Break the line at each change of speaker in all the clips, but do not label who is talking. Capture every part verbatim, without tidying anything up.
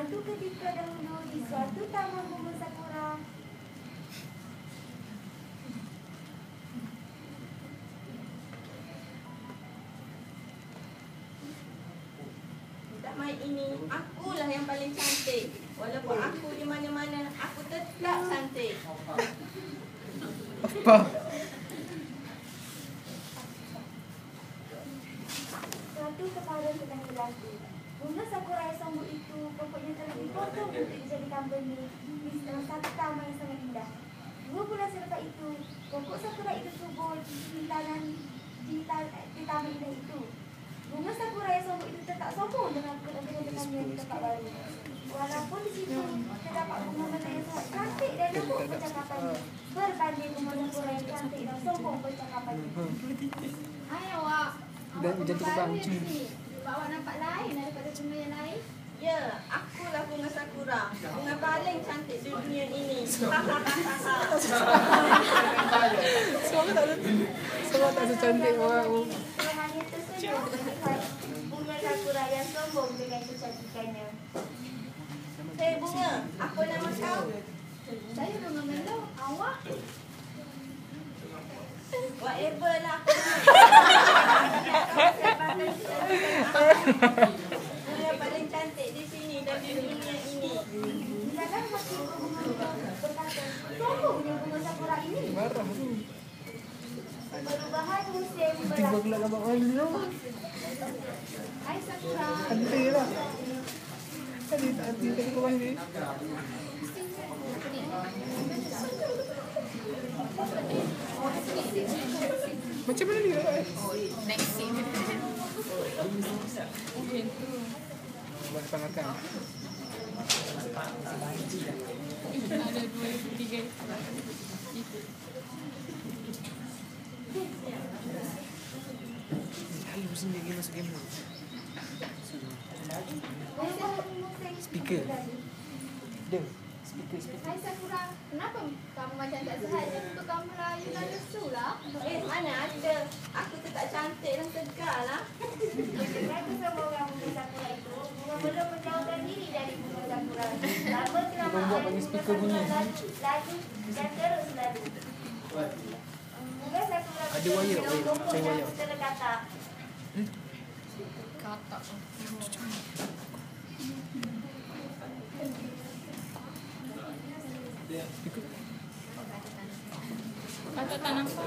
Suatu ketika dahulu di suatu taman bunga sakura.
Taman ini, akulah yang paling cantik. Walaupun aku di mana-mana, aku tetap cantik.
Apa?
Suatu kepada sedang berlaku. Bunga sakura yang sombong itu pokoknya telah dipotong untuk dijadikan benih di salah satu taman yang sangat indah. Dua bulan selepas itu, pokok sakura itu subur di tanah di, di taman indah itu. Bunga sakura yang sombong itu tetap sombong dengan kedatangannya di tempat baru. Walaupun di situ terdapat bunga mata yang sangat cantik dan lembut percakapannya, berbanding bunga sakura yang cantik dan sombong percakapannya.
Hai awak,
Dan
awak
jantung
baru
bangcu.
di sini. Sebab awak nampak lain daripada bunga yang lain.
Ya, akulah bunga sakura. Bunga paling cantik di dunia ini. Hahaha.
Semua tak semua tak secantik orang.
Dia hanya tersenyum melihat bunga sakura yang sombong dengan kecantikannya.
Hei bunga, apa nama kau?
Saya bunga melo, awak.
Whatever lah aku. Bunga yang paling cantik di sini dan di dunia ini.
Silakan hati bunga berkata, sombongnya bunga sakura ini.
Marah tu.
Perubahan musim
Tiba
berlaku.
pula gambar mana?
Hai Sakura.
Cantik lah. Tadi tak hati tadi kau ni. Macam mana dia?
Next scene.
Buat pangakan.
Ada dua, tiga.
Lalu sendiri masuk game.
Perubahan musim
Speaker.
berlaku.
Dia. Speaker speaker.
Hai Sakura, kenapa kamu macam tak sihat? Untuk kamu layu dan lesu lah.
Eh, mana ada. Aku tetap cantik dan tegar lah.
Dengan kesombongan bunga sakura itu, bunga belum menjauhkan diri dari bunga sakura. Lama kelamaan
Membuat bagi speaker bunyi.
laju dan terus lalu. Bunga sakura
Ada wayar, wayar.
pokok
Saya
dan
wayar.
terletak.
Kata.
Speaker.
Kata tak nampak.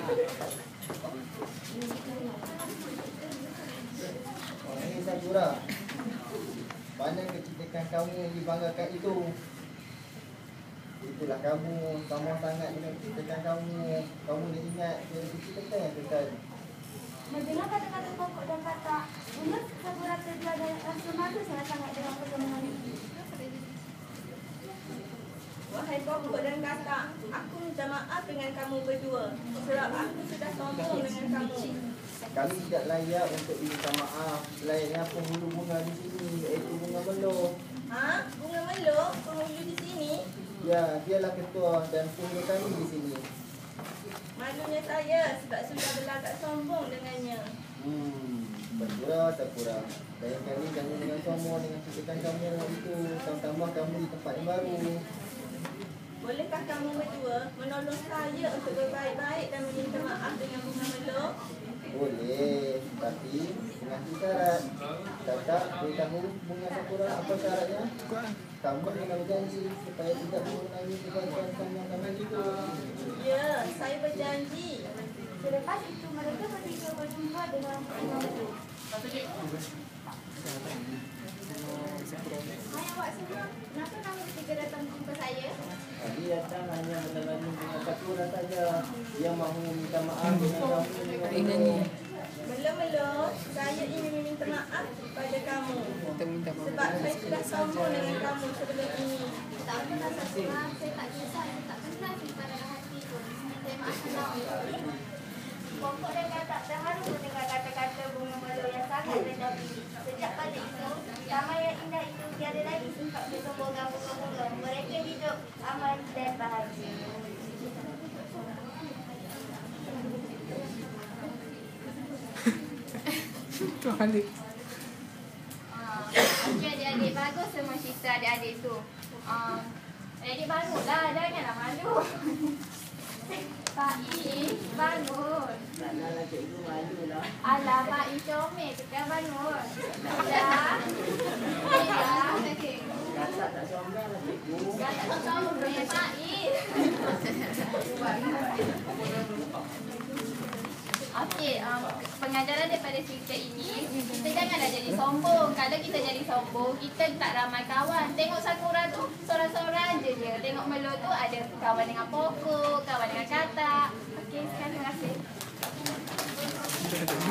Ini Sakura. Mana kecantikan kamu yang dibanggakan itu? Itulah kamu, kamu sangat dengan kecantikan kamu. Kamu dah ingat dari kecil-kecil yang kekal.
Mendengar kata-kata pokok dan kata, bunga sakura terjual dan rasa malu sangat-sangat dengan pertemuan itu.
Wahai pokok dan katak, aku minta maaf dengan kamu berdua. Sebab aku sudah sombong dengan kamu.
Kami tidak layak untuk diminta maaf. Layaknya penghulu bunga di sini, iaitu bunga melo.
Ha? Bunga melo? Penghulu di sini?
Ya, dialah ketua dan penghulu kami di sini.
Malunya saya sebab sudah berlagak sombong dengannya.
Hmm, Sakura, Sakura. Lain kali jangan dengan sombong dengan kecantikan kamu itu. Tambah kamu di tempat yang baru.
Bolehkah kamu berdua menolong saya untuk berbaik-baik dan meminta maaf dengan bunga melo?
Boleh, tapi dengan syarat. Kakak beritahu bunga Sakura apa syaratnya? Kamu kena berjanji supaya tidak mengulangi kebaikan yang kami itu.
Ya, saya berjanji.
Selepas itu mereka bertiga berjumpa dengan bunga itu.
Hai awak semua, kenapa kamu bertiga datang jumpa saya?
Dia datang hanya menemani bunga Sakura saja. Dia mahu meminta maaf dengan kamu.
Ingatnya.
Melo-melo, saya ingin meminta maaf kepada kamu.
Kita minta maaf.
Sebab saya sudah sombong dengan kamu sebelum ini.
Tak apalah Sakura, saya tak kisah, saya tak pernah simpan dalam hati pun. Saya maafkan awak.
Pokok dan katak terharu mendengar kata-kata bunga melo yang sangat rendah diri. Sejak pada itu, taman yang indah itu tiada lagi sifat kesombongan bunga-bunga. Mereka hidup aman dan bahagia.
Tu balik.
Ah, okey adik-adik, bagus semua cerita adik-adik tu. Um, adik bangunlah, janganlah malu. Pak I, bangun.
Taklah cikgu malu lah.
Alah, Pak I comel tu kan bangun. Dah. Dah.
Gasak tak somel lah cikgu.
Dah tak comel Pak I. Okey, um, pengajaran daripada cerita ini, kita janganlah jadi sombong. Kalau kita jadi sombong, kita tak ramai kawan. Tengok Sakura tu, seorang-seorang je dia. Tengok Melo tu ada kawan dengan pokok, kawan dengan katak. Okey, sekian, terima kasih.